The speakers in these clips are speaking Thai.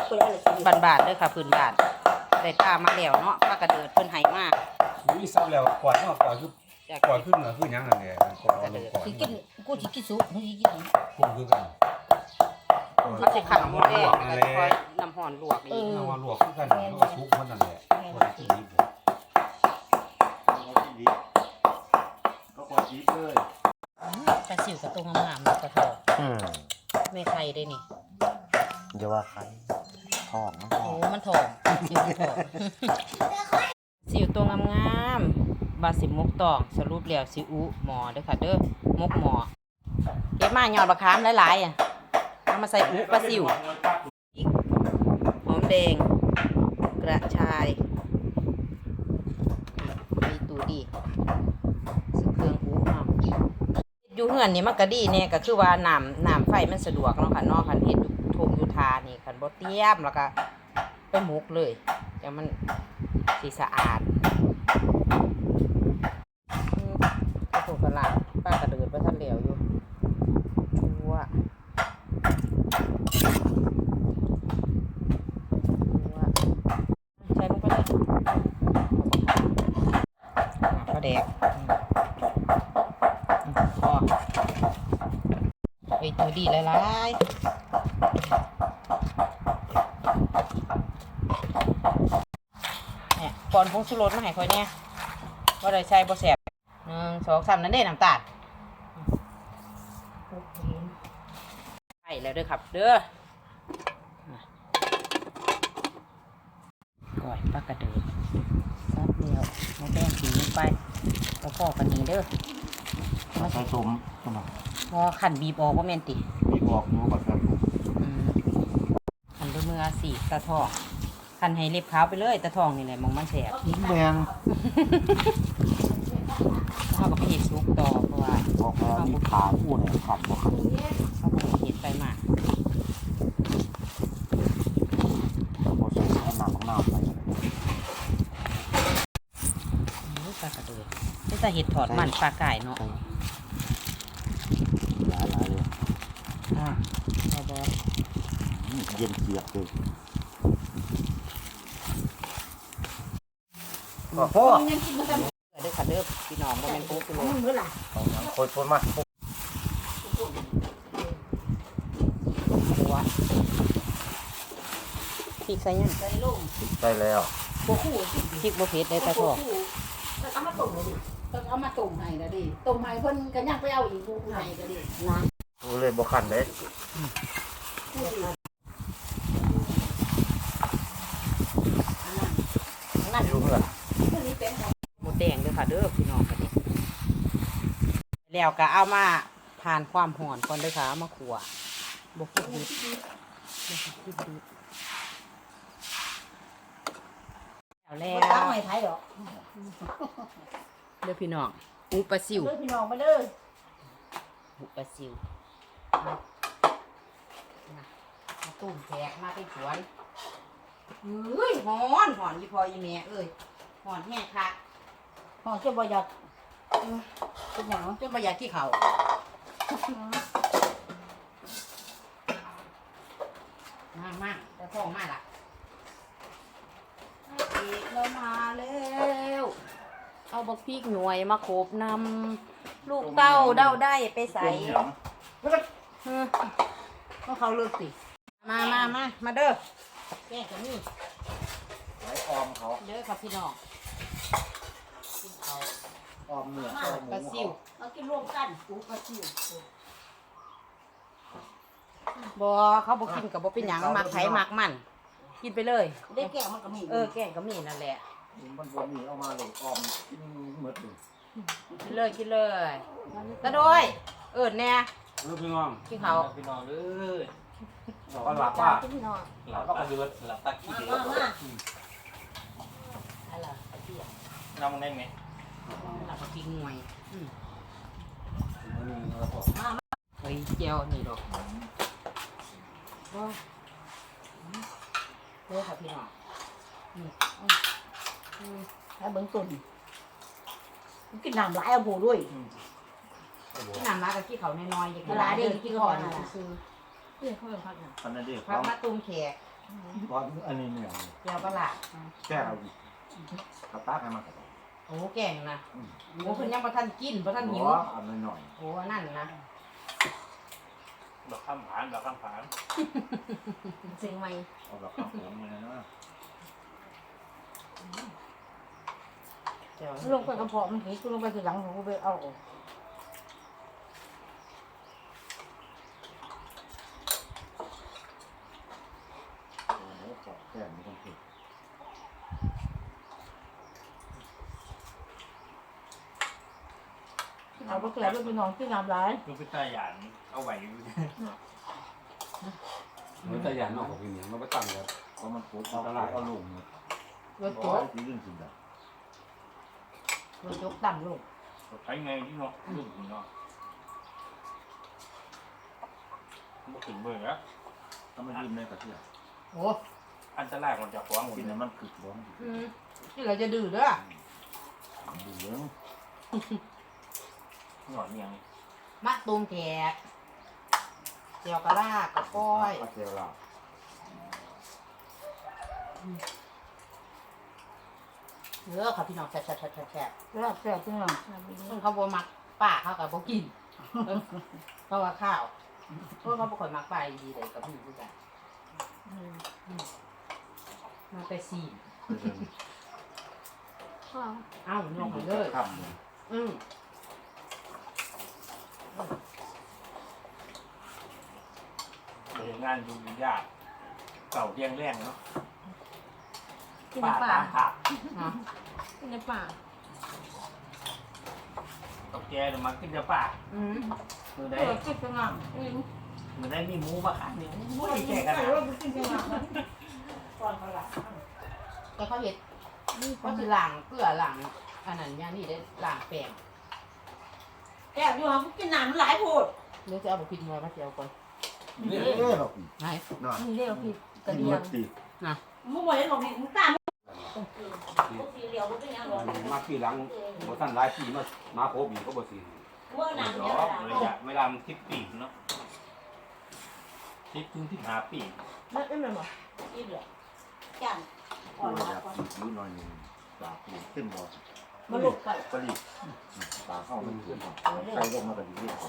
บานๆเด้อค่ะพื้นบ้านได้ตามาแล้วเนาะปลากระเดิดเพิ่นให้มามีซับแล้วกวาดเนาะกวาดคือจากกวาดขึ้นเหนือคือหยังนั่นแหละกวาดเอาลงกวาดสิกินกูสิกินสุกมึงสิกินหยังคุ้มคือกันเขาสิขังหมดแดงแล้วก็คอยน้ำห่อนลวกอีกเอามาลวกคือกันแล้วก็ซุกมันนั่นแหละคนที่นี่ผมก็กดยิบเลยปลาซิวกับตัวงามๆแล้วก็ทอดไม่ไข่ได้นี่อย่าว่าใครท้องมันท้โอ้องมันทองซิวทองสิวตัวงามๆบาสิมกตองสรุปแล้วสิอุหมอเด้อค่ะเด้อมกหมอเก็บมายอดบักขามหลายๆอ่ะเอามาใส่อุปลาซิวพริกหอมแดงกระชายมีตูดีซึ่งเครื่องอุเนาะอยู่เฮือนนี่มันก็ดีแน่ก็คือว่าน้ำไฟมันสะดวกเนาะค่ะเนาะคันเฮ็ดอยู่ทงอยู่ทานี่คันบ่เตรียมแล้วก็ไปหมกเลยแต่มันสิสะอาดกระโปรงกระลาป้ากระเดิดไปทันเหลวอยู่ว่าใช้ลงไปเลยก็แดกพอไอ้ตัวดีหลายๆเนี่ยก่อนผงชูรสมาให้ค่อยเนี่ยว่าได้ใส่บ่แซ่บ1 2 3นั่นเด้น้ำตาลใส่แล้วเด้อครับเด้อก่อยปลากระเดิดซับเดียวมาแป้งสีลงไปแล้วพอกันนี้เด้อใส่ตุ่มตุ่มพอขันบีบออกว่าแม่นติมีบอกอยู่กับแบบขันด้วยมือสีตะทองขันให้เล็บขาวไปเลยตะทองนี่แหละมองมันแสบยิ้มแดงเขาก็ไปเห็ดซุกต่อเพราะว่าบอกว่ามีขาคู่เนี่ยขัดบอกเขาก็เห็ดไปมาบอกใส่ให้น้ำของน้ำไปปลากระเดือนี่จะเห็ดถอดมันปลาไก่เนาะหลายเลยเอาบอเย็นเสียบเลยพ่อยังกินบ่ทันเด้อค่ะเด้อพี่น้องบ่แม่นปุ๊บกิโลมึงมื้อล่ะคนมาหัวพริกใส่ยังใส่ลงใช่แล้วบ่คู่สิพริกบ่เผ็ดได้ตะทองต้องเอามาต้มเลยดิต้องเอามาต้มให้ละดิต้มให้เพิ่นก็ยังไปเอาอีกบ่ให้ก็ดินะกูเลยบอกขันเลยนั่นรู้เพื่อนหมูแดงเด้อค่ะเด้อพี่น้องกันนี่แล้วก็เอามาผ่านความร้อนก่อนเด้อค่ะเอามาขั่วบ่คิดดิบแล้วตั้งไม่ไผดอกเด้อพี่น้องอุปลาซิวเด้อพี่น้องมาเด้ออุปลาซิวมาตุ้มแขกมาเป็นสวนเฮ้ยหอนยี่พอยี่แม่เอ้ยหอนแห้งคักห้องจะบ่อยากเป็นหยังจนบ่อยากที่เขามาแต่พ่อมาล่ะเรามาแล้วเอาบักพริกหน่วยมาโขบนำลูกเต้าเด้าได้ไปใส่ก็เขาเลิกสิมาเด้อแก้กันนี่ไว้ออมเขาเด้อครับพี่น้องกินเขาออมเนื้อออมหมูปลาซิวเอากินรวมกันปูปลาซิวบ่เขาบ่กินกับบ่เป็นหยังมักไผมักมันกินไปเลยได้แก้วมันก็มีแกงก็มีนั่นแหละมันบนนี้เอามาเลยออมกินหมดเลยกินเลยตะโดยแน่พี่น้องกินเขาพี่น้องเอ้ยบอกว่าหลับว่าพี่น้องหลับตาเลือดหลับตาขี้เดือดมาอะไรเตี้ยน้ำมันได้ไหมหลับกินหน่วยเฮ้ยเจียวนี่ดอกเด้อค่ะพี่น้องนี่ให้เบิ่งตุ่นกินน้ำหลายเอาโบด้วยที่น้ำร้านกับขี้เขาน้อยๆอย่างเวลาเด็กกินก่อนซื้ออันนั้นดิพักมาตุ้มแขกตอนอันนี้เนี่ยแก้วปลาร้าแก้วกระตากให้มันกระตากโอ้แก่งนะโอ้เพิ่นยังบ่ทันกินบ่ทันหิวอันหน่อยโอ้อันนั่นนะดอกข้ามผานดอกข้ามผานเสียงใหม่เอาแบบข้าวผมเลยนะเดี๋ยวลงไปกระเพาะมันผีคือลงไปทีหลังผมก็ไปเอาออกโอ้โหขอแก้มมีคนผิดเอาไปแกะด้วยไปนอนที่น้ำร้ายลูกพิตาหยานเอาไหวอยู่มันจะหยาดนอกของพี่เหนียวมันไปตั้งแล้วเพราะมันปุ๊บเอาลงรถโอ้โจ๊กยที่เรื่องจริงแบบรถโจ๊กต่ำลงใช้ไงที่เนาะลูกเนาะบ่ถึงเบื่อแล้วถ้ามันยิ้มในกระเทียมโอ้อันตรายมันจะฟ้องหมดกินเลแล้ยวมันคือบ้องที่เราจะดื้อเด้อดูเรื่องหนอนยังมะตูมแขกเจียวกะลากกะก้อยกระเทียมละเนื้อค่ะพี่น้องแซ่บแล้วแซ่บจังเลยซึ่งเขาบ่มักป้าเขากับบ่กินเพราะว่าข้าวเพราะเขาบ่ค่อยมักป้าดีเลยกับพี่คือกันมาแต่ซีนเอ้าน้องเลยข้ามงานดูยากเก่าเรียงแรงเนาะกินป่าในป่าตามผักกินในป่ากับแกเดี๋ยวมากินจะป่ามือเอได้อกินจังเลยอืมมือได้มีหมูมาขายเนี่ยไม่ไม่ได้ได้แกะแก่กักัน นนะนะกินจังเลยก่อนเขาล้างแต่เขาเห็ดเขาสิล้างเกลือล้างอันนั้นอย่างนี้ได้ล้างแป้งแกะอยู่ห้องกินน้ำหลายโพดเดี๋ยวจะเอาบุกินมาเจียวก่อนนี่เราไหนน่ะนี่เรียกผิดกระกินเดียมังดตีมึงบอกให้หลงผิดมึงตามสีเหลียวมึงเป็นยังหลงมาพี่หลังบ่ทันหลายปีมาโคบีก็บ่สิเมื่อหนั้นันงเนี่ยเนาะเวลามันทิปปีกเนาะทิปถึงที่หาปีกไม่เป็นหรอกินเหรอจันอ่อนอละยากกินนิดหน่อยนึงปลาปูขึ้นบ่มาลุกไปปลาดิบปลาเข้ามันขึ้นใส่ลงมาก็ดีเลย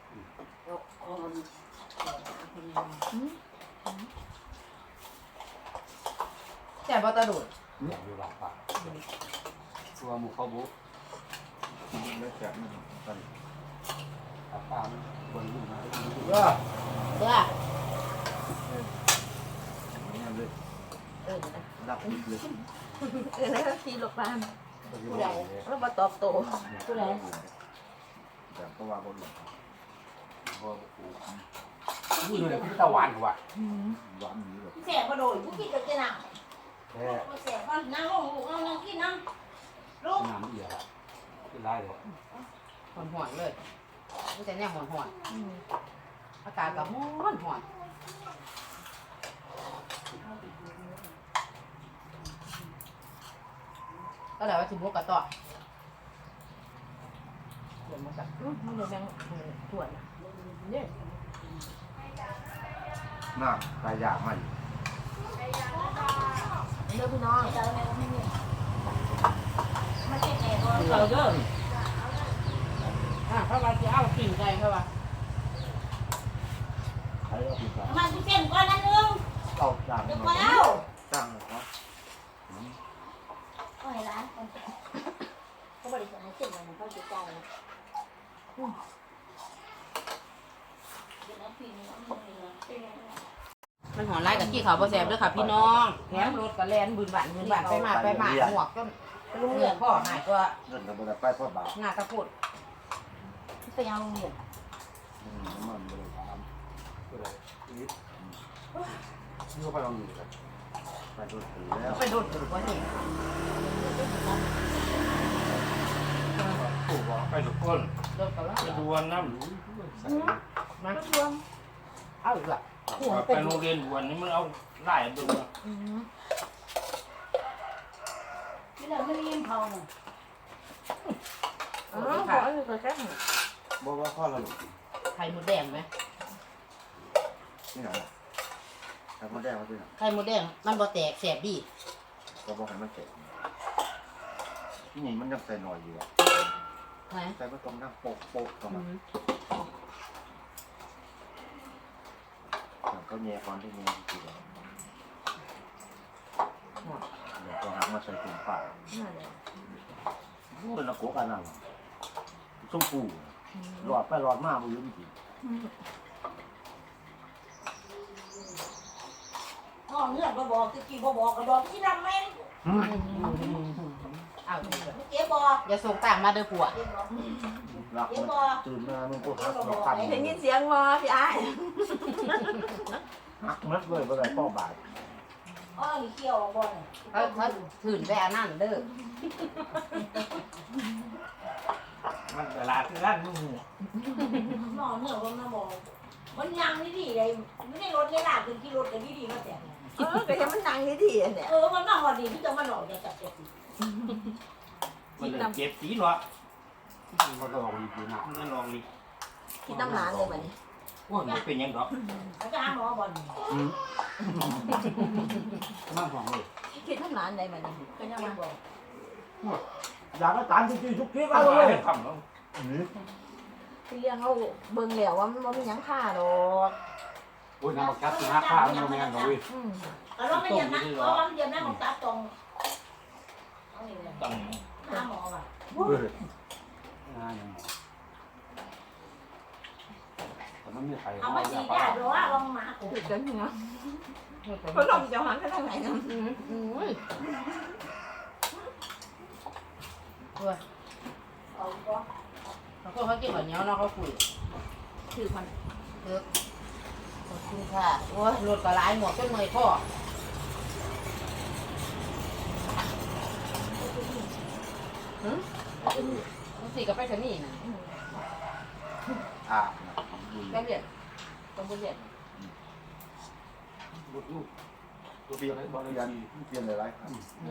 แต่บอตะดุดอยู่หลังป่าตัวหมู่เขาบุแล้วแกะมันปลาดิบป่ามันบนลุ่มมาเด้อนั่นเลยเออรับดิบเลยแล้วทีหลบบ้านผู้ใดแล้วมาตอบโต้ผู้ใดแบบก็ว่าบ่หลงบ่ปูนี่เลยพี่ตะหวานกว่าหวานนี้แบบแสบกระโดดกูกินกับเจ้าหนังแท้แสบบ้านนั่งลงลูกนั่งกินนั่งลูกน้ำเอียเป็นไรเลยหอนหอนเลยไม่แต่เนี่ยหอนหอนอากาศก็หอนหอนก็เลยว่าสิบุกกระต่อเดี๋ยวมาจับมึงเดี๋ยวแบงตรวจเนี่ยน่าตายยากมากเด้อพี่น้องมาเจ็บแน่ตัวเราเด้อเขาว่าจะเอาสิ่งใดเขาว่าใช้เอาปีกมันเจ็บก่อนนั่นนึงเอาจานเดี๋ยวมาก่อนเอาจ้างเลยครับก็ให้ร้านคนเขาบริจาคให้เจ็บเลยเขาจะจ่ายเดี๋ยวน้ำปีนี้มันมันหอนไล่กับขี้เขาบ่แซ่บเด้อค่ะพี่น้องแถมรถก็แล่นบืนหวานไปมาหมวกจนลุงเลือดพ่อหายตัวเงินกับบริษัทไปพ่อบาทหน้าตะพุดไปเอาโรงเรียนมันบริษัทผู้ใดนี่อยู่ไปลองอยู่ครับไปโดนถือแล้วไปโดดถือว่านี่ถูกบอกไปทุกคนโดดกับแล้วไปดวนน้มาเอาอีกละำไปโรงเรียนดวนนี่มันเอาไล่เบึงที่เราไม่ได้ยินเขาเนี่ยอ๋อขออยู่กับแค่บอกว่าข้อละหลุดไข่มดแดงไหมนี่ไหนไอ้ข่มดแดงมาด้วยไข่มดแดงมันบ่แตกแสบดีก็บอกให้มันเสร็จนี่มันยังใส่หน่อยอยู่ไหนใส่ผสมทั้งโป๊กโป๊กเข้ามาก็แย่ความที่แย่ทีเดียวเดี๋ยวก็หักมาใส่ถุงผ้าเป็นละโกกันนั่นส้มปูหลอดไปหลอดมาบุญจริงพ่อเงื่อนก็บอกตะกี้บอกก็บอกที่นำแม่นเอาเถอะเจ๊บอกอย่าส่งต่างมาเด้อผัวเจ๊บอกรักมันตื่นมามันก็หักมาพันได้ยินเสียงวอพี่อ้ายหักมัดเลยเมื่อไรพ่อบาดอ้อนี่เขี้ยวบ่เนี่ยเขาถืนไปอันนั้นเด้อมันเวลาที่ร้านมึงหมอเนื้อว่ามาบอกมันยังนี่ดีเลยไม่ได้รถได้ลาขึ้นที่รถกันดีๆมาแต่ก็ยังมันนั่งดีๆเนี่ยมันมาหอดีที่จะมาหลอกจะจับเจ็บมันเลยเจ็บสีเนาะเขาจะลองดีนะมันลองดิคิดน้ำร้านเลยมันนี่โอ้ยมันเป็นยังดอกเขาจะหาหมอบอลมากกว่าเลยคิดน้ำร้านเลยมันนี่ก็ยังมาบอกอยากให้ตานจริงๆทุกทีเอาเอาเลเลย ยทำแล้วที่เลี้ยงเขาเบิ่งแล้วว่ามันไม่ยังค่าดอกโอ้ยน้ำบักจับสิ5 ข้ามันแม่นเลยเราไม่เย็นนะเพราะว่ามันเย็นนะของตาตรงเอานี่เลยต้องหาหมอว่ะแต่มันไม่ใครเอามาจีได้หรือว่าลองมากูถึงกันเนาะเขาลองจะหันไปทางไหนนะเอาก็เขากินแบบนี้เนาะเขาคุยถือมันขอบคุณค่ะโอ้ยรถก็หลายหมดจนเมื่อยพ่อต้องสีกับไปสนี่นะอ่าก็เรียนต้องเรียนลูกตัวเบียร์เลยบอลเลยเปลี่ยนหลายๆครั้ง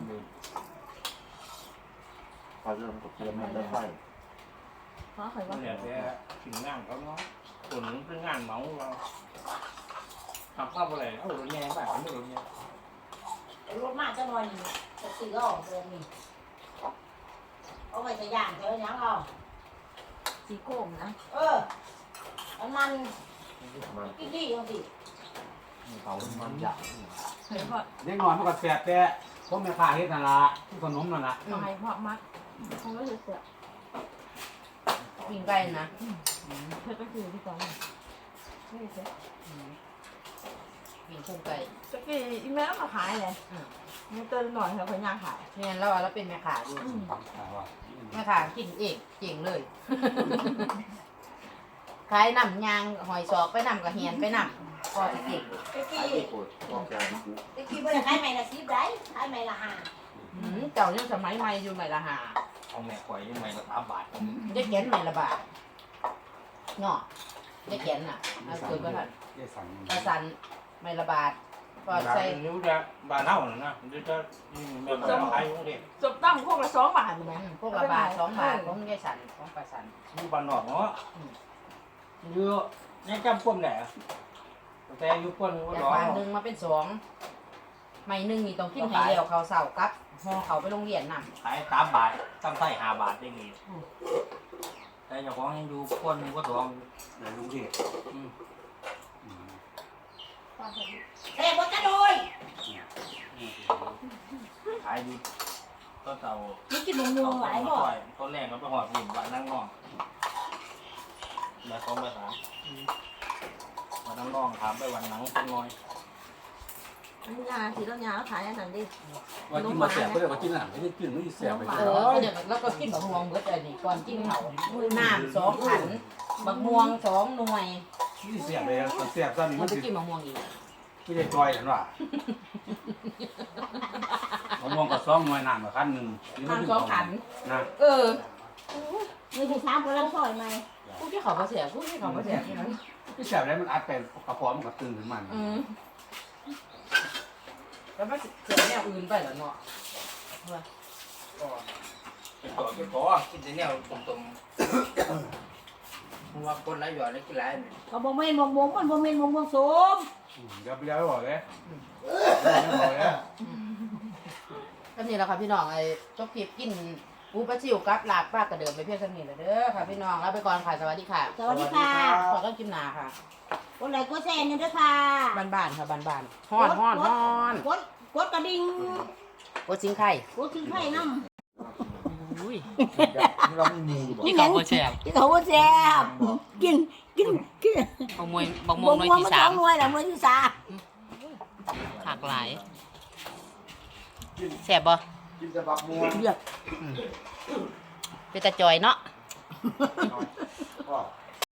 พอเริ่มกับเปลี่ยนมันได้ไฟเพราะใครว่าเนี่ยแกถึงงานเขาเนาะคนนึงเป็นงานเมาเราทำข้าวอะไรเอารถแย่แบบไม่รถแย่รถมาจะนอนอยู่จะซื้อออกเลยนี่เอาไปจะย่างเจอยังเอาสีโก้งนะมันมันกินดีจังสิเขามันอยากเห็นเพราะเด็กน้อยมันก็แสบแต่พวกแม่ค้าเฮ็ดนั่นล่ะขนมนั่นล่ะทำไมเพราะมัดเขาก็จะเสียวิ่งไกลนะเพื่อก็คือที่ก่อนไม่เสียวิ่งพุ่งไกลตะกี้อีแม่มาขายเลยมันเติมหน่อยเขาพยายามขายเนี่ยเราเราเป็นแม่ขาอยู่แม่ขากินเองเจ๋งเลยขายน้ำยางหอยสอกไปน้ำกระเฮียนไปน้ำก็จะเก่งตะไอ้กี้ที่ปวดบอกแกมันคือตะกี้บ่ได้ขายใหม่ละ10ได้ขายใหม่ละ5 เจ้ายังสมัยใหม่อยู่ใหม่ละหาเอาแม่ข่อยยังไงก็3 บาทได้แกนใหม่ละบาทเนาะได้แกนน่ะเอาคุยก็ทันได้สั่งกระสันใหม่ละบาทก็ใส่ใส่นิ้วจะบาเน่านะเดี๋ยวจะแบบขายอยู่นี่จบตั้งพวกละ2 บาทไหมพวกละบาท2 บาทของยายสันของป้าสันอยู่บ้านนอกเนาะเยอะยังจำป้นได้แต่อยู่ป้นว่าจากน้องบาทหนึ่งมาเป็น2ใหม่หนึ่งนี่ต้องกินให้เร็วเขาเสาร์กับห่อเขาไปโรงเรียนน่ะขาย3 บาทตั้งใส่5 บาทได้ไงแต่เจ้าของยังอยู่ป้นก็ทองในลุงเทพแต่บ่จะโดยขายอยู่ต้นเต่านี่กินนมๆหลายบ่ต้นแรกก็ไปหอดหินวันนั่งนองมา2 มา 3วันนั่งนองถามไปวันหนังเป็นน้อยอันนี้ยาสีต้องยาขายอันนั้นดิว่ากินมาแสบก็เลยว่ากินอาหารไม่ได้กินไม่ได้แสบไปเดี๋ยวแล้วก็กินบักม่วงเบิดเลยนี่ก่อนกินเขาน้ำ2 ขันบักม่วง2 หน่วยนี่แสบเลยแสบตอนนี้มัมัน นจะกินบักม่วงอีกไม่ได้จอยกันว่ะมะม่วงกับซ้อมมวยนานมาขั้นหนึ่งน้ำ2 ขันนะมีที่3คนละซอยไหมผู้ที่เขามาเสียผู้ที่เขามาเสียที่แสบแล้วมันอัดไปกระเพาะมันก็ตื่นขึ้นมาแล้วมันเสียแนวอื่นไปแล้วเนาะก็ขอกินแต่แนวตรงๆเพราะว่าคนหลายหยอดแล้วกินหลายก็บ่แม่นมงมันบ่แม่นมงส้มอย่าไปแล้วบอกเลยไม่บอกเลยก็นี่แหละค่ะพี่น้องไอ้จบคลิปกินปูปลาซิวกับลาบปลากระเดิมไปเพียงเท่านี้แหละเด้อค่ะพี่น้องแล้วไปก่อนค่ะสวัสดีค่ะสวัสดีค่ะขอต้อนกินหนาค่ะคนไหนก็แซนอยู่ด้วยค่ะบ้านๆค่ะบ้านๆฮ้อนฮ้อนฮ้อนกดกระดิ่งโอชิงไข่กดถึงไข่น้ำอุ้ยเราไม่มีบ่นี่เขาโคแซ่บที่เขาว่าแซ่บกินบักม่วงบักม่วงหน่วยที่มาสาสอมงหน่วยแล้วหน่วยที่สามขากหลายแซ่บบ่กินแต่บักม่วงเดือดเป็นตาจอยเนาะก็